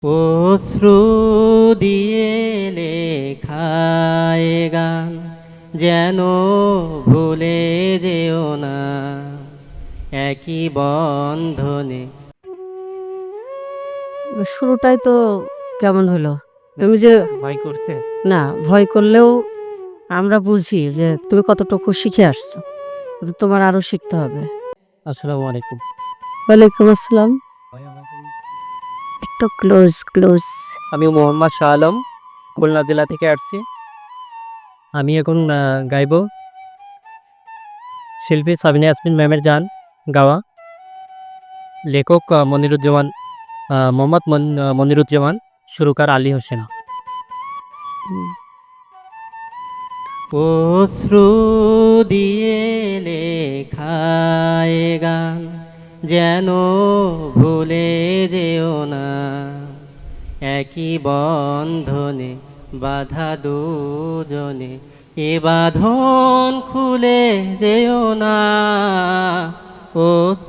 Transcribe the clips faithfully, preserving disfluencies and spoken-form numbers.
অশ্রু দিয়ে লেখায় গান যেন ভুলে যেও না একই বন্ধনে। শুরুটাই তো কেমন হলো? তুমি যে ভয় করছে না ভয় করলেও আমরা বুঝি যে তুমি কতটুকু শিখে আসছো, কিন্তু তোমার আরো শিখতে হবে। আসসালামু আলাইকুম। ওয়ালাইকুম আসসালাম। একটু ক্লোজ ক্লোজ। আমি মোহাম্মদ শাহ আলম, খুলনা জেলা থেকে আসছি। আমি এখন আহ, গাইব শিল্পী সাবিনা ইয়াসমিন ম্যামের গান গাওয়া। লেখক আহ, মনিরুজ্জামান, আহ, মোহাম্মদ মন- আহ, মনিরুজ্জামান, সুরকার আলী হোসেন। অশ্রু দিয়ে লেখায় গান যেন ভুলে যেও না একই বন্ধনে বাধা দুজনে, এ বাঁধন খুলে যেও না। ও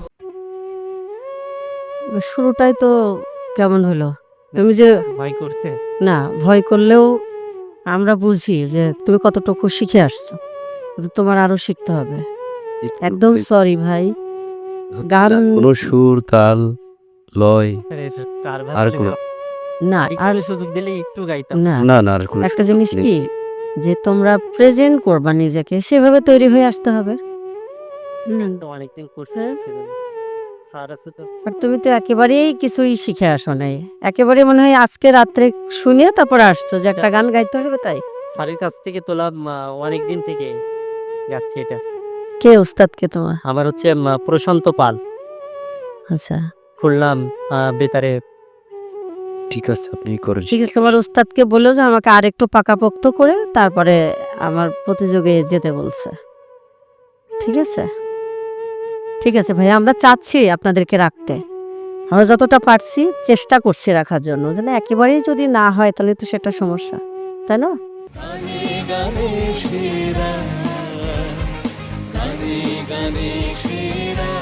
শুরুটাই তো কেমন হলো? তুমি যে ভয় করছে না ভয় করলেও আমরা বুঝি যে তুমি কতটুকু শিখে আসছো, কিন্তু তোমার আরো শিখতে হবে। একদম সরি ভাই। গান কোনো সুর তাল লয় আর কোনো না আর আর সুযোগ দিলে একটু গাইতাম। না না না আর কোনো একটা সুর জিনিস নেই। কি, যে তোমরা প্রেজেন্ট করবা নিজেকে, সেভাবে তৈরি হয়ে আসতে হবে। হুম। তো অনেকদিন করছে স্যার আছে তো। আর তুমি তো একেবারেই কিছুই শিখে আসো নাই, একেবারে মনে হয় আজকে রাত্রে শুনে তারপর আসছো যে একটা গান গাইতে হবে তাই। স্যারের কাছ থেকে তোলা অনেক দিন থেকে যাচ্ছে এটা। কে ওস্তাদকে তোমার? আমার হচ্ছে উম, প্রশান্ত পাল, আচ্ছা খুলনা আহ, বেতারে। ঠিক আছে আপনি করেন। ঠিক আছে, তোমার ওস্তাদকে বললো যে আমাকে আর একটু পাকাপোক্ত করে তারপরে আমার প্রতিযোগে যেতে বলছে। ঠিক আছে ঠিক আছে ভাই, আমরা চাচ্ছি আপনাদেরকে রাখতে, আমরা যতটা পারছি চেষ্টা করছি রাখার জন্য, যেন একেবারেই যদি না হয় তাহলে তো সেটা সমস্যা, তাই না? গানে গানে সেরা গানে গানে সেরা